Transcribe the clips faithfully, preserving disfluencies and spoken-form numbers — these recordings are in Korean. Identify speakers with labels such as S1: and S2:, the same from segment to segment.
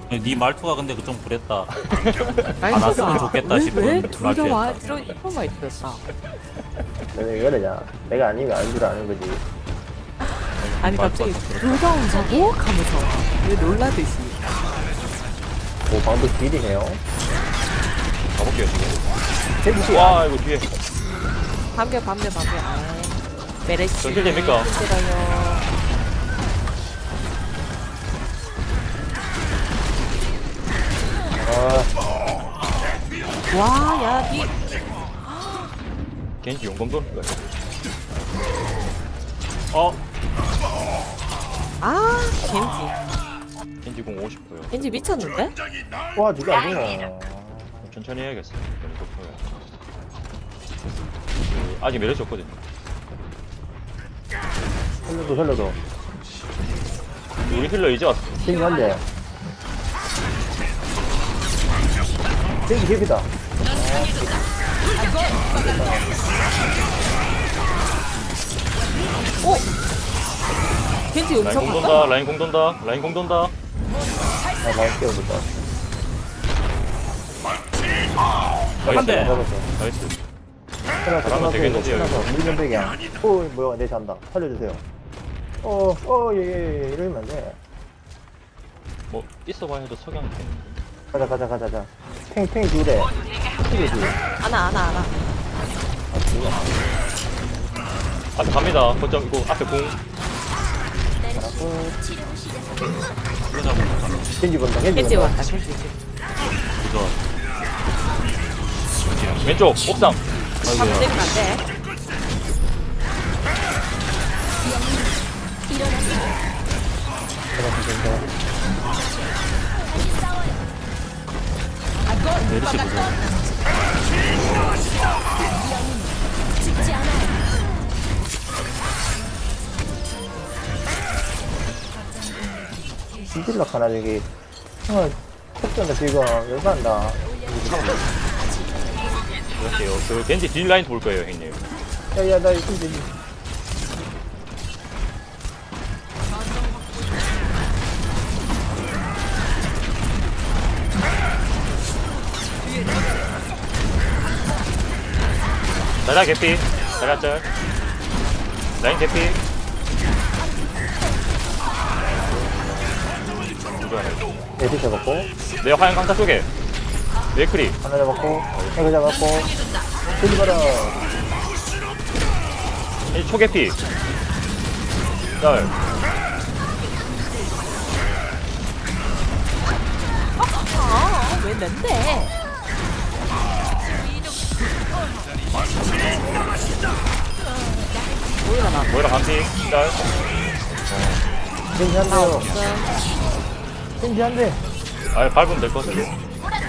S1: 네 말투가 근데 좀 그랬다.
S2: 아니,
S1: 안 왔으면 좋겠다 싶은
S2: 왜둘다 와?
S1: 말투였다.
S2: 들어 이거만 있었다.
S3: 왜 그러냐. 내가 아니면 아닌 줄 아는 거지.
S2: 아니 갑자기 둘 다 온다고? 하면서 왜 놀라듯이.
S3: 오, 방도 딜이네요.
S4: 가볼게요 지금.
S3: 겐지, 아,
S4: 와 이거 뒤에
S2: 밤개 밤개 밤개. 아, 메레시.
S4: 전킬 됩니까?
S2: 힘들어요.
S3: 아,
S2: 와, 야, 니.
S4: 겐지 용검 도는 거야.
S1: 어?
S2: 아, 겐지.
S4: 겐지 공 오십 퍼요.
S2: 겐지 미쳤는데?
S3: 와, 누가 안 되나.
S4: 천천히 해야겠어. 너무 높아요. 그, 아직 메르시 없거든요.
S3: 살려줘, 살려줘.
S4: 우리 힐러 이제 왔어.
S3: 겐지 한 대. 겐지 개피다.
S2: 겐지
S4: 라인
S2: 음성
S4: 공
S2: 봤다?
S4: 돈다. 라인 공 돈다. 라인 공 돈다.
S3: 아, 많이 깨워줬다.
S4: 나이스.
S1: 한 대.
S3: 잡았어.
S4: 나이스.
S3: 하나,
S4: 잘하면
S3: 하나,
S4: 되겠는데요,
S3: 하나,
S4: 이거.
S3: 물면백이야. 오, 뭐야, 내 잔다. 살려주세요. 어, 어, 예, 예, 예, 이러면 안 돼.
S4: 뭐 있어봐야 해도 석양이 되는데.
S3: 가자, 가자, 가자, 가자. 탱, 탱 둘에. 탱이 둘.
S2: 아나, 아나, 아나.
S4: 아 갑니다. 거점 이거 앞에 공.
S3: 겐지 본다, 겐지
S2: 겐지
S3: 본다.
S2: 왔다, 겐지.
S1: 이거
S4: 왼쪽 옥상.
S2: 밤 때리면 안 돼.
S1: 메르시 보자.
S3: 뒤질락 하나, 저기. 어, 컵전다, 지금. 열받는다.
S4: 그럴게요. 그 겐지 딜 라인 볼 거예요, 형님.
S3: 야, 야, 나 이거 겐지.
S4: 자자 개피. 자자 짤. 라인 개피. 누구 하나 있어?
S3: 에디 잡았고.
S4: 내 화양 강타 쪽에. 메크리.
S3: 하나 잡았고. 이거 잡았고. 겐지 봐라.
S4: 이 초개피. 짤.
S2: 아, 왜 낸데? 뭐야, 나.
S4: 모이라 반피. 짤.
S3: 겐지 한
S2: 나
S3: 대요.
S2: 없음.
S3: 겐지 한 대.
S4: 아 밟으면 될 것 같은데.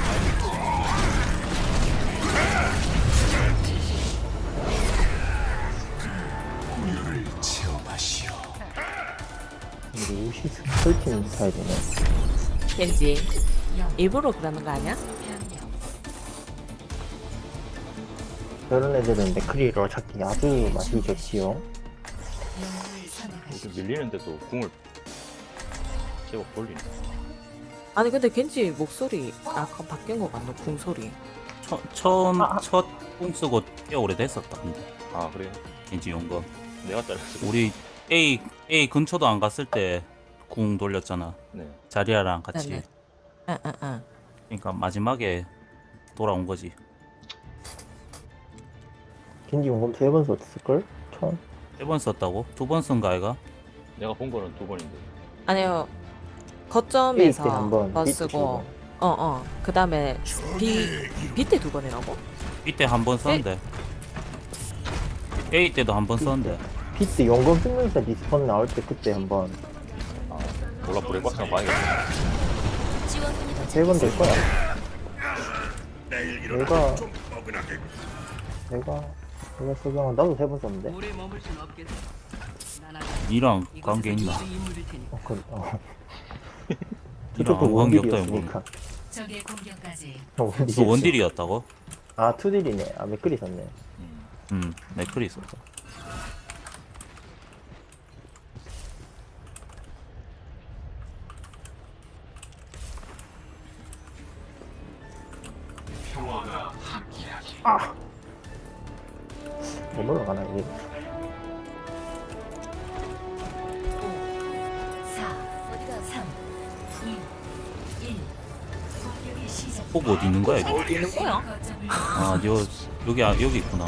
S3: 우리 옷이 설치는 스타일이네.
S2: 겐지. 일부러 그러는 거 아니야?
S3: 저런 애들은 맥크리로 찾기 아주 맛이 좋지요.
S4: 이렇게 밀리는데도 궁을 제법 돌리네.
S2: 아니, 근데 겐지 목소리 약간 바뀐 거 같네, 궁소리.
S1: 처, 처음 첫궁 쓰고 꽤 오래됐었다. 근데
S4: 아 그래요?
S1: 겐지 용거.
S4: 내가 잘랐어.
S1: 우리 A A 근처도 안 갔을 때 궁 돌렸잖아.
S4: 네.
S1: 자리아랑 같이.
S2: 네네. 응, 응, 응.
S1: 그러니까 마지막에 돌아온 거지.
S3: 겐지 용검 세 번 썼을걸? 처음?
S1: 세 번 썼다고? 두 번 쓴 거 아이가?
S4: 내가 본 거는 두 번인데.
S2: 아니요.
S3: A
S2: 거점에서
S3: 때한 번,
S2: 더
S3: B 때 두
S2: 쓰고,
S3: 번.
S2: 어, 어. 그 다음에 B, B 때 두 번이라고?
S1: 이때 한 번 썼는데. A 때도 한 번 썼는데.
S3: 비트 용검 쓰면서 리스폰 나올 때 그때 한번
S4: 아 몰라 브레이크박스나 봐야겠다.
S3: 세 번 될 거야. 내가 내가 내가 소경은 나도 세 번 썼는데.
S1: 니랑 관계 있나?
S3: 어, 그, 어.
S1: 니랑 아무 관계 없다 이거.
S5: 적의 공격까지
S1: 너 원딜이었다고?
S3: 아 투딜이네. 아 맥클이 썼네.
S1: 응, 맥클이 있었다.
S3: 아! 못 올라가나, 이게?
S5: 사, 삼, 이, 일. 공격이 시작.
S1: 포그 어디 있는 거야 이거?
S2: 어디 있는 거야?
S5: 거점을
S1: 아 여, 여기 아, 여기 있구나.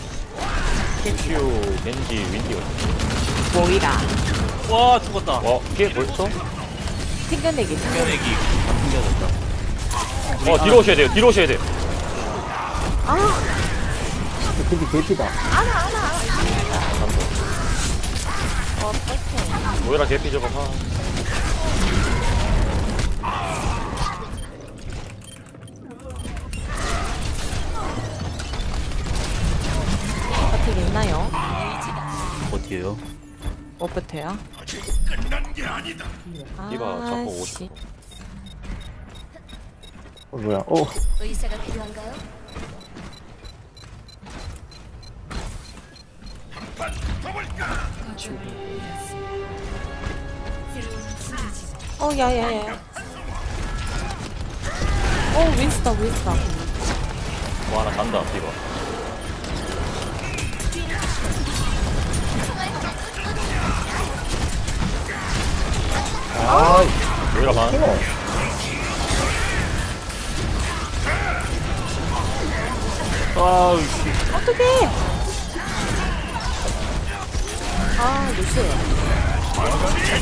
S4: 루시우, 겐지, 윈디 어디?
S2: 모이라.
S1: 와 죽었다.
S4: 와, 이게 벌써?
S2: 튕겨내기.
S1: 튕겨내기 다 튕겨졌다.
S4: 어, 뒤로 오셔야 돼요. 뒤로 오셔야 돼요.
S2: 아,
S3: 근데 개피다.
S2: 어떡해.
S4: 모여라 개피 저거 봐.
S2: 어떻게 있나요?
S1: 어디에요?
S2: 뭐부터요?
S4: 이봐, 자꾸 오십.
S2: 씨.
S3: 어, 뭐야, 어.
S5: 의사가 필요한가요?
S2: 어, 야, 야, 야. 어, 윈스다, 윈스다.
S4: 뭐 하나 간다, 이봐.
S3: 아,
S4: 모여라 반.
S3: 이거.
S1: 아우
S2: 어떡해! 아, 루시.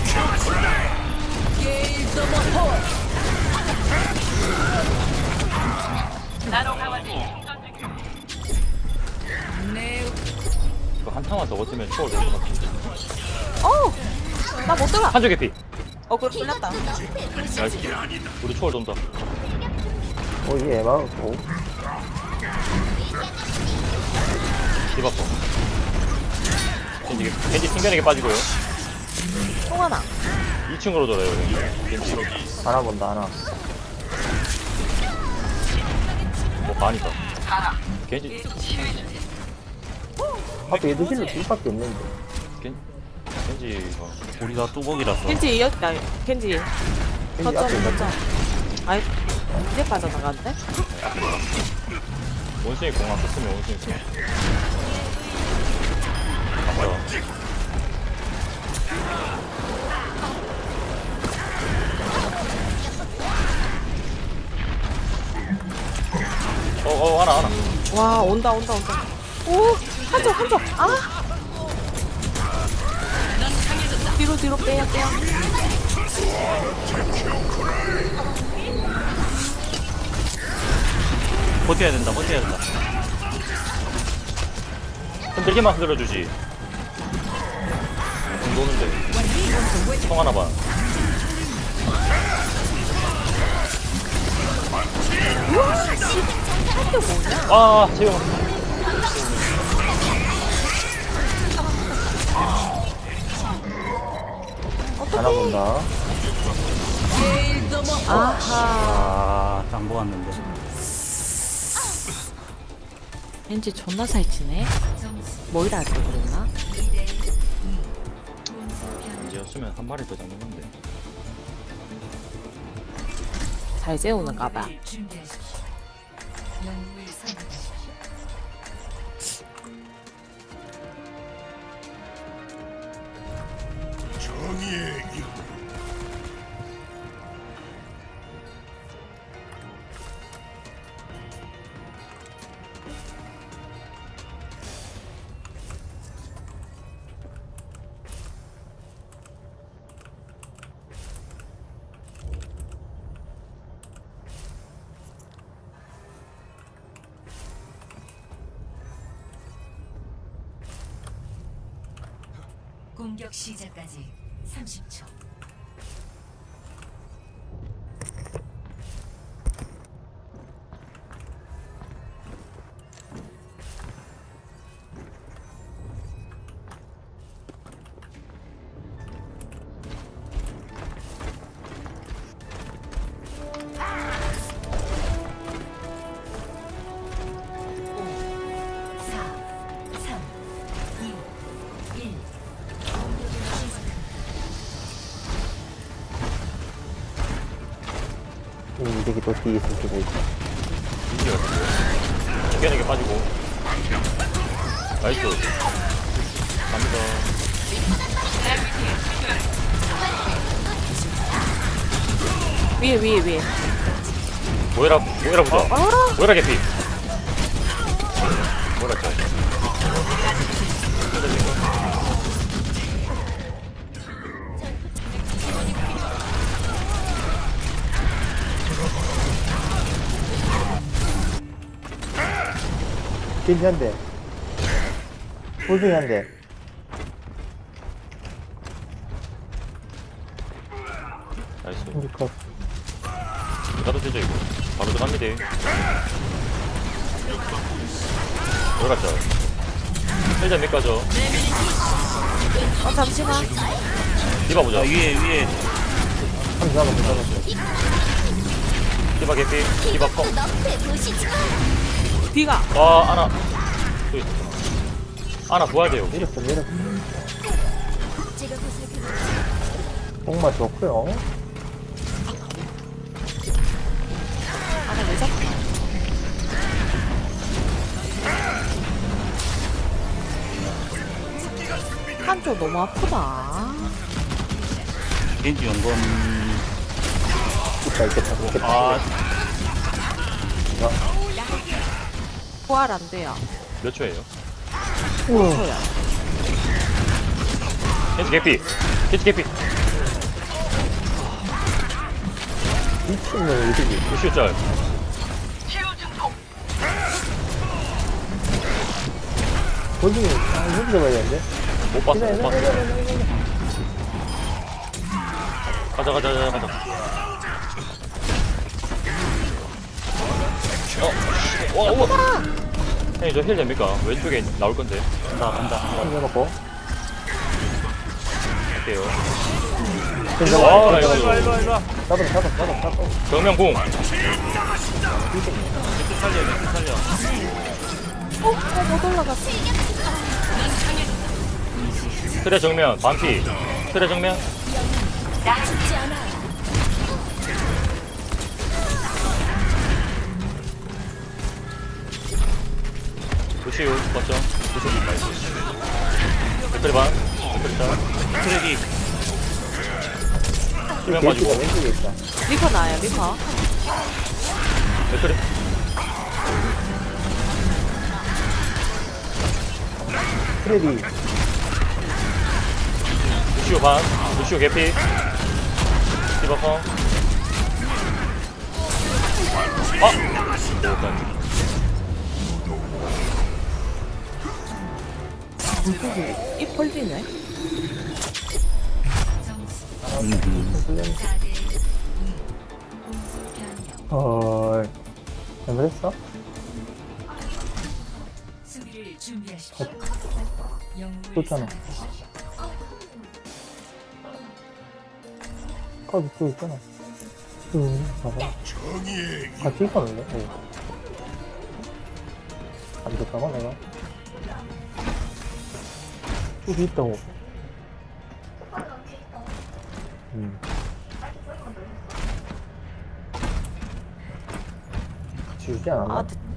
S4: 이거 한 타만 더 버티면 초월 될것 같은데.
S2: 어! 나 못 들어!
S4: 한쪽 개피.
S2: 어, 그걸 풀렸다.
S4: 나이스. 우리 초월 돈다.
S3: 어, 이게 에바고.
S4: 디바퍼. 겐지, 겐지 튕겨내게 빠지고요.
S2: 통 하나.
S4: 이 층으로 돌아요, 여기. 겐지.
S3: 하나 본다, 하나.
S4: 뭐, 반이다. 겐지,
S3: 앞에 얘도 실로 둘밖에 없는데.
S4: 겐, 겐지가.
S1: 우리가 뚜벅이라서.
S2: 켄지 이었다. 켄지.
S3: 겐지
S2: 거점,
S3: 앞에 있는
S2: 거점. 아이, 이제 빠져나갔는데?
S4: 원숭이 공안 썼으면 원숭이 공. 맞다. 어, 어, 하나, 하나.
S2: 와, 온다, 온다, 온다. 오! 한쪽, 한쪽! 아! 뒤로, 뒤로 빼야, 빼야.
S1: 버텨야 된다. 버텨야 된다.
S4: 흔들기만 흔들어주지. 공 도는데. 통 하나 봐.
S2: 한쪽 뭐냐?
S4: 아, 재영.
S3: 하나 본다.
S2: 아하.
S1: 아, 짱 보았는데.
S2: 왠지 존나 살찌네. 뭐이라 할걸 그랬나?
S4: 이제였으면 한 마리 더 잡는 건데.
S2: 잘 재우는가 봐.
S5: 준비하십시오. 영웅을 선택하십시오. 공격 시작까지 삼십 초. 사, 삼, 이, 일.
S3: 이 새끼 또 뒤에 있어, 쓰고 있어.
S4: 인지 같은데. 죽여내게 빠지고. 나이스. 갑니다.
S2: 위에 위에 위에.
S4: 모여라, 모여라 보자.
S2: 알아.
S4: 모여라 개피. 모여라 짜.
S3: 겐지 한 대. 호중이 한 대.
S4: 나이스.
S3: 우리 컷.
S4: 나도 되죠 이거. 바로 들어갑니다. 모여라 짜. 일단 몇 가죠.
S2: 어 잠시만.
S4: 디바 보자.
S1: 자 위에 위에
S3: 한 잡았어, 잡았어.
S4: 디바 개피. 디바 펑.
S2: 비가.
S4: 아, 아나. 저기 있어. 아나 부활 돼요.
S3: 내렸어, 내렸어.
S5: 제가 보살펴
S3: 정말 좋고요.
S2: 아나 왜 잡혀? 한쪽 너무 아프다.
S1: 겐지 연금.
S3: 있다, 있겠다, 있겠다.
S4: 아,
S2: 부활 안 돼요.
S4: 몇 초예요?
S3: 우와.
S2: 저야.
S4: 켄지 개피. 켄지 개피.
S3: 미친놈, 이득이.
S4: 루시오 짤.
S3: 호중이, 아, 호중 잡아야 되는데.
S4: 못 봤어,
S3: 기다려,
S4: 못 봤어.
S3: 기다려, 기다려, 기다려.
S4: 가자, 가자, 가자, 가자. 어, 와, 우와. 형님, 저 힐 됩니까? 왼쪽에 나올 건데.
S1: 간다 간다.
S3: 한 잡았고.
S4: 할게요.
S3: 겐지
S4: 와,
S3: 잡았어.
S4: 나이스.
S1: 일로와 일로와 일로와.
S3: 잡았어, 잡았어, 잡았어, 잡았어.
S4: 정면 공.
S1: 멘트 살려 멘트 살려.
S2: 어? 어, 못 올라갔어.
S4: 트레 정면, 반피. 트레 정면.
S5: 죽지 않아.
S4: 루시오, 맞죠? 루시오, 나이스. 댓글 반. 댓글 짤.
S1: 트랙이
S4: 수면
S3: 겐지가
S4: 빠지고.
S3: 왼쪽에 있다.
S2: 리퍼 나요 리퍼.
S4: 댓글이.
S3: 트레디.
S4: 루시오 반. 루시오 개피. 디바 펑. 아! 일단.
S2: 입 벌리네.
S1: 음.
S5: 사 대 이. 공수 변경.
S3: 헐. 잘못했어?
S5: 수비를 준비하십시오. 영웅을
S3: 좋잖아.
S5: 선택하십시오.
S3: 거기 또 있잖아. 응, 봐봐. 같이 있었는데? 응. 안 됐다고, 내가? 쭉 있다고. 응. 같이 유지 않았나?
S2: 아, 됐-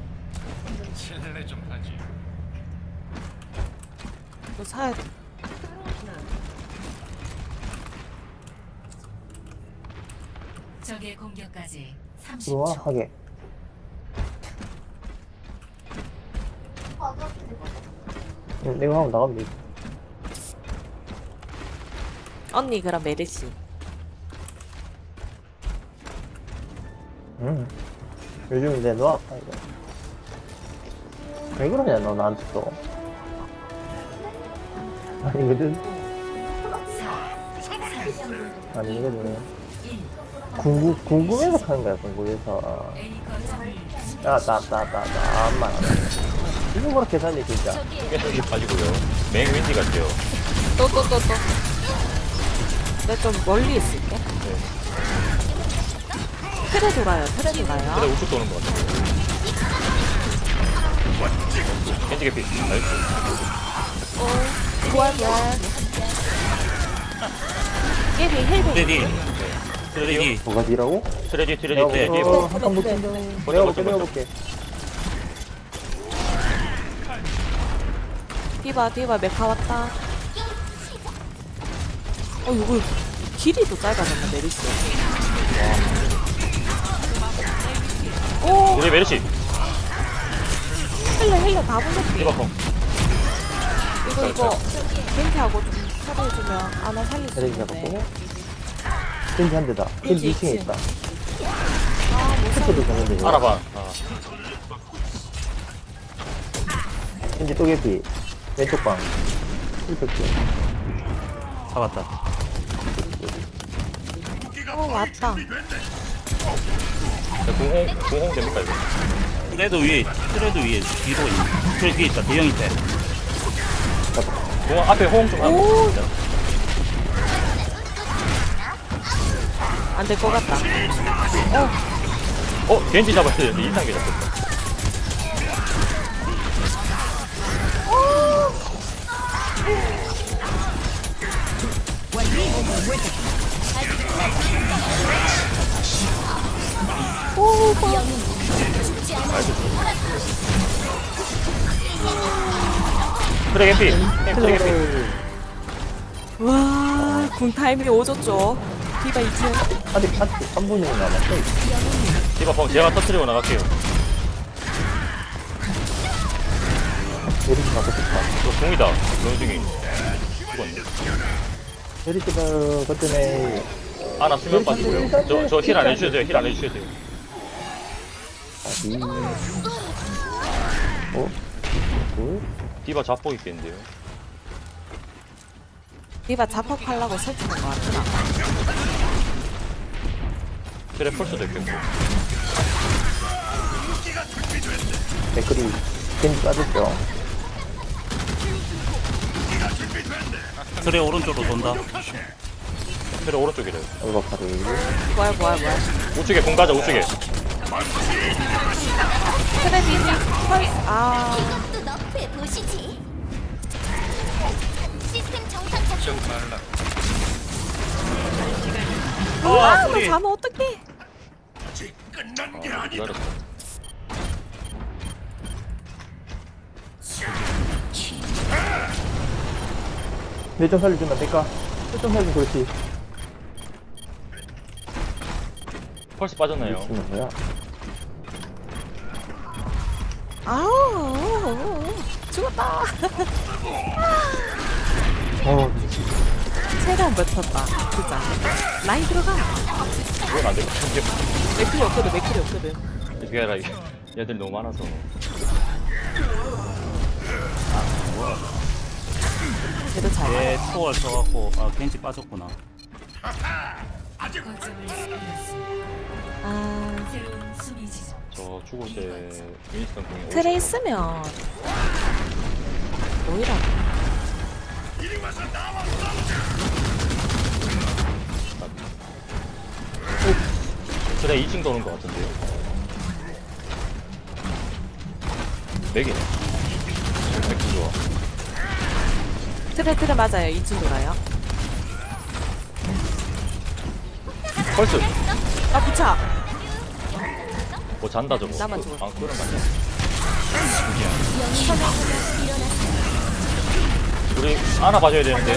S2: 이거 사야 돼.
S5: 적의 공격까지
S3: 들어와,
S5: 삼십 초.
S3: 하게. 응, 내가 하면 나가면 되지.
S2: 언니 그럼 메르시.
S3: 응. 요즘 이제 너 아파, 이거. 왜 그러냐, 너 나한테 또. 아니거든? 아니거든. 궁금, 궁금해서 하는 거야, 궁금해서.
S5: A 거점을
S3: 야, 나, 나, 나, 나, 암만 안 해. 이거 그렇게 살리, 진짜.
S4: 여기 빠지고요. 맹 윈디 같아요.
S2: 또 또 또 또. 내가 좀 멀리 있을게.
S4: 네.
S2: 틀에 돌아요. 틀에
S4: 그래
S2: 돌아요.
S4: 우측 도는 것 같아요. 켄지 개피. 나이스.
S2: 부활 부활. 깨비 헬비.
S1: 트랙이 쓰레기.
S3: 뭐가 뒤라고?
S4: 트레디 트레디
S3: 내가
S1: 네.
S4: 트레디.
S3: 어, 한칸
S2: 네,
S3: 붙인다.
S2: 네.
S3: 내가
S4: 버텨,
S3: 볼게, 내가
S4: 버텨.
S3: 볼게.
S2: 디바 디바 메카 왔다. 어 이거 길이도 짧아졌네 메리스. 오
S4: 우리 메르시.
S2: 헬레 헬레 다 보냈지.
S4: 디바 펑.
S2: 이거 이거 겐트하고 좀 처리해주면 아나 살릴 수
S3: 테레비
S2: 있는데.
S3: 잡았고. 겐지 한 대다. 겐지 이 층에 있다.
S2: 아못
S3: 스포도
S2: 살릴.
S3: 잡는데. 이거.
S4: 알아봐. 아.
S3: 겐지 또 개피. 왼쪽 방. 힐팩트.
S1: 잡았다.
S2: 어 왔다.
S4: 자, 공홍 공홍 됩니까 이거?
S1: 트레드 위에, 트레드 위에 뒤로 있는. 트레드 뒤에 있다. 대형 있대.
S4: 공홍 앞에 호응 좀 하고.
S2: 오. 안 될 것 같다.
S4: 어 겐지 잡았어야 되는데 이상하게 잡혔다.
S2: 오 봐.
S4: 트레 겐피. 트레 겐피.
S2: 와, 군 타이밍이 오졌죠. 디바 이층.
S3: 아직, 아직 삼 분이 남았어.
S4: 디바 펑 제가 터트리고 나갈게요.
S3: 메리시 갖고 싶다.
S4: 저 공이다. 원숭이. 죽었네.
S3: 메리시가 그때네.
S4: 아나 수면 빠지고요. 저 저 힐 안 해주셔도 돼요. 힐 안 해주셔도 돼요.
S3: 아니. 어? 뭘?
S4: 디바 잡고 있겠는데요.
S2: 디바 자폭하려고 설치한 것 같구나.
S4: 트레 펄스도 있겠고.
S3: 댓글이 겐지 빠졌죠.
S1: 트레 오른쪽으로 돈다.
S4: 트레 오른쪽이래요.
S3: 얼박하를.
S2: 뭐야, 뭐야, 뭐야.
S4: 우측에 공 가자 우측에.
S2: 트레디, 펄, 아.
S6: 이것도 너프해 보시지. 시스템 정상 작동 중.
S2: 와, 너
S1: 소리.
S2: 자면 어떡해.
S4: 아, 기다렸어.
S3: 내좀 살려주면 안 될까? 좀 살려주면 그렇지.
S4: 펄스 빠졌나요?
S3: 미친놈 뭐야?
S2: 아우, 죽었다.
S3: 어,
S2: 최대한 버텼다. 진짜. 라인 들어가.
S4: 이건 안 될 것 같은데.
S2: 맥클이 없거든, 맥클이 없거든.
S4: 이게 아니라 이게 얘들 너무 많아서.
S2: 그래도 잘.
S1: 얘 초월 써갖고, 아, 겐지 빠졌구나.
S5: 거점을 잃었습니다.
S2: 아,
S5: 새로운 수비 지점.
S4: 저 죽을 때 윈스턴 공이
S2: 트레 있으면. 뭐이라.
S4: 트레 이 층 도는 것 같은데요. 맥이네. 맥주 좋아.
S2: 트레, 트레 맞아요. 이층 돌아요.
S4: 펄스.
S2: 아, 부차.
S4: 뭐 잔다 저거.
S2: 나만
S4: 그-
S2: 죽었어.
S4: 아 그런 거 아니야. 우리 하나 봐줘야 되는데.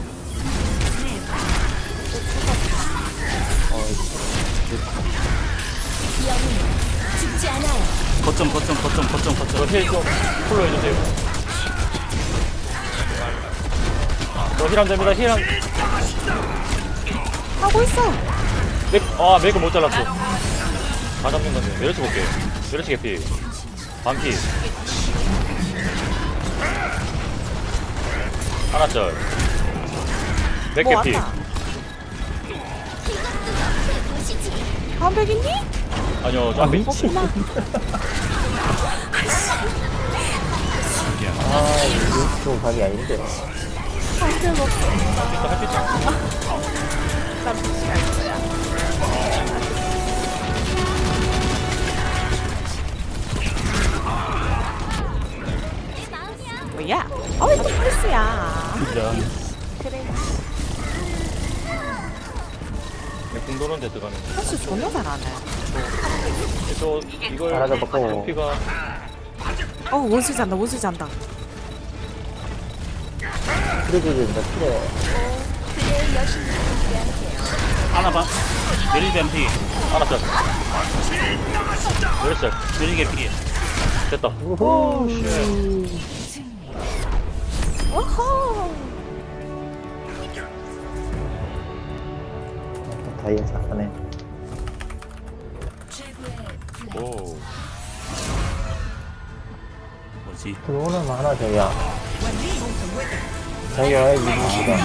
S6: 죽지 않아요.
S1: 거점, 거점, 거점, 거점, 거점.
S4: 저힐좀 풀로 해주세요. 저힐안 됩니다. 힐 한.
S2: 하고 있어.
S4: 맥, 아 맥을 못 잘랐어. 다 잡는 건데. 메르시 볼게. 메르시 개피. 반피. 하나 짤. 맥
S2: 뭐
S4: 개피.
S2: 왔다.
S6: 이것도 너프해 보시지.
S2: 반백 있니?
S4: 아니요, 저 앞에 있
S2: 없구나.
S3: 아, 이거 좀 각이 아닌데.
S2: 반백 없어.
S4: 햇빛.
S2: 난 무시할 거야.
S6: 내 마음이야.
S2: 뭐야? 어이, 또 펄스야.
S1: 이런.
S2: 그래.
S4: 네, 궁 노는데 들어가는 거.
S2: 헬스 존나 잘하네.
S4: 또 이걸
S3: 잘하자봤고.
S4: 높이가
S2: 어 원수 잔다 원수 잔다.
S3: 그래도 된다, 그래.
S6: 그대의 여신이 함께하세요.
S1: 하나 봐. 메리 뱀피.
S4: 알았어. 그랬어.
S1: 메리 개피.
S4: 됐다.
S3: 우후.
S2: 어허.
S3: 다이앤 잘하네.
S5: 최고의 플레이.
S4: 오.
S1: 뭐지?
S3: 들어오는 많아, 자기야. 자기가 왜 미국이다.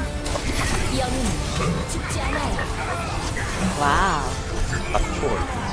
S6: 영웅 죽지 않아요.
S2: 와우.
S4: 딱 초월.